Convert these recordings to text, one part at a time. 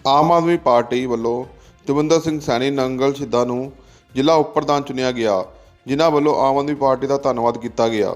ਆਮ ਆਦਮੀ party ਵੱਲੋਂ ਦਵਿੰਦਰ ਸਿੰਘ ਸੈਣੀ ਨੰਗਲ ਸਿੱਧਾ ਨੂੰ ਜ਼ਿਲ੍ਹਾ ਉਪ ਪ੍ਰਧਾਨ ਚੁਣਿਆ ਗਿਆ, ਜਿਨ੍ਹਾਂ ਵੱਲੋਂ ਆਮ ਆਦਮੀ ਪਾਰਟੀ ਦਾ ਧੰਨਵਾਦ ਕੀਤਾ ਗਿਆ।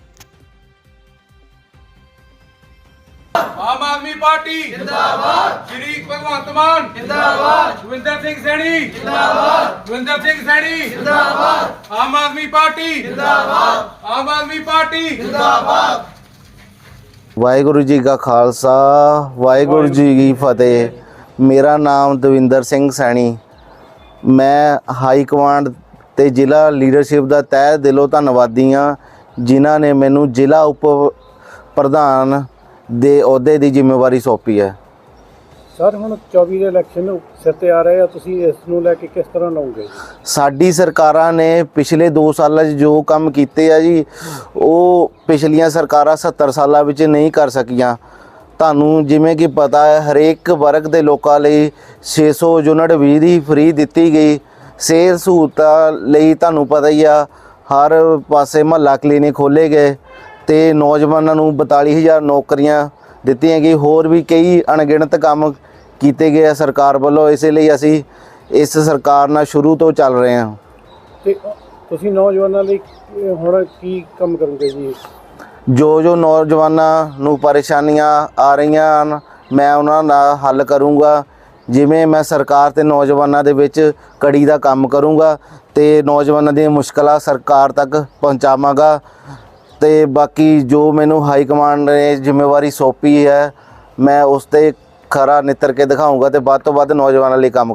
आम आदमी पार्टी जिंदाबाद, श्री भगवंत मान जिंदाबाद, दविंदर सिंह सैनी जिंदाबाद, दविंदर सिंह सैनी जिंदाबाद, आम आदमी पार्टी जिंदाबाद, आम आदमी पार्टी जिंदाबाद। वाहिगुरु जी का खालसा वाहिगुरु जी की फतेह। मेरा नाम दविंदर सिंह सैनी। मैं हाई कमांड ते जिला लीडरशिप का तह दिलों धन्नवादी हाँ, जिन्हों ने मैनू जिला उप प्रधान ਦੇ ਅਹੁਦੇ ਦੀ ਜ਼ਿੰਮੇਵਾਰੀ ਸੌਂਪੀ ਹੈ। ਸਰ ਹੁਣ 24 ਦੇ ਇਲੈਕਸ਼ਨ ਸਿਰ ਤੇ ਆ ਰਹੇ ਆ, ਤੁਸੀਂ ਇਸ ਨੂੰ ਲੈ ਕੇ ਕਿਸ ਤਰ੍ਹਾਂ ਲਓਗੇ? ਸਾਡੀ ਸਰਕਾਰਾਂ ਨੇ ਪਿਛਲੇ 2 ਸਾਲਾਂ 'ਚ ਜੋ ਕੰਮ ਕੀਤੇ ਆ ਜੀ, ਉਹ ਪਿਛਲੀਆਂ ਸਰਕਾਰਾਂ 70 ਸਾਲਾਂ ਵਿੱਚ ਨਹੀਂ ਕਰ ਸਕੀਆਂ। ਤੁਹਾਨੂੰ ਜਿਵੇਂ ਕਿ ਪਤਾ ਹੈ, ਹਰੇਕ ਵਰਗ ਦੇ ਲੋਕਾਂ ਲਈ 600 ਯੂਨਿਟ ਬਿਜਲੀ ਦੀ ਫ੍ਰੀ ਦਿੱਤੀ ਗਈ। ਸਿਹਤ ਸਹੂਲਤਾਂ ਲਈ ਤੁਹਾਨੂੰ ਪਤਾ ਹੀ ਆ, ਹਰ ਪਾਸੇ ਮੁਹੱਲਾ ਕਲੀਨਿਕ ਖੋਲ੍ਹੇ ਗਏ ਤੇ ਨੌਜਵਾਨਾਂ ਨੂੰ 42,000 ਨੌਕਰੀਆਂ ਦਿੱਤੀਆਂ ਗਈ। ਹੋਰ ਵੀ ਕਈ ਅਣਗਿਣਤ ਕੰਮ ਕੀਤੇ ਗਏ ਆ ਸਰਕਾਰ ਵੱਲੋਂ। ਇਸੇ ਲਈ ਅਸੀਂ ਇਸ ਸਰਕਾਰ ਨਾਲ ਸ਼ੁਰੂ ਤੋਂ ਚੱਲ ਰਹੇ ਹਾਂ। ਤੇ ਤੁਸੀਂ ਨੌਜਵਾਨਾਂ ਲਈ ਹੁਣ ਕੀ ਕੰਮ ਕਰੋਗੇ ਜੀ? ਜੋ ਨੌਜਵਾਨਾਂ ਨੂੰ ਪਰੇਸ਼ਾਨੀਆਂ ਆ ਰਹੀਆਂ ਹਨ, ਮੈਂ ਉਹਨਾਂ ਦਾ ਹੱਲ ਕਰੂੰਗਾ। ਜਿਵੇਂ ਮੈਂ ਸਰਕਾਰ ਤੇ ਨੌਜਵਾਨਾਂ ਦੇ ਵਿੱਚ ਕੜੀ ਦਾ ਕੰਮ ਕਰੂੰਗਾ ਤੇ ਨੌਜਵਾਨਾਂ ਦੀਆਂ ਮੁਸ਼ਕਲਾਂ ਸਰਕਾਰ ਤੱਕ ਪਹੁੰਚਾਵਾਂਗਾ। ਤੇ ਬਾਕੀ ਜੋ ਮੈਨੂੰ ਹਾਈ ਕਮਾਂਡ ਨੇ ਜ਼ਿੰਮੇਵਾਰੀ ਸੌਂਪੀ ਹੈ, ਮੈਂ ਉਸ 'ਤੇ ਖਰਾ ਨਿੱਤਰ ਕੇ ਦਿਖਾਊਂਗਾ ਤੇ ਵੱਧ ਤੋਂ ਵੱਧ ਨੌਜਵਾਨਾਂ ਲਈ ਕੰਮ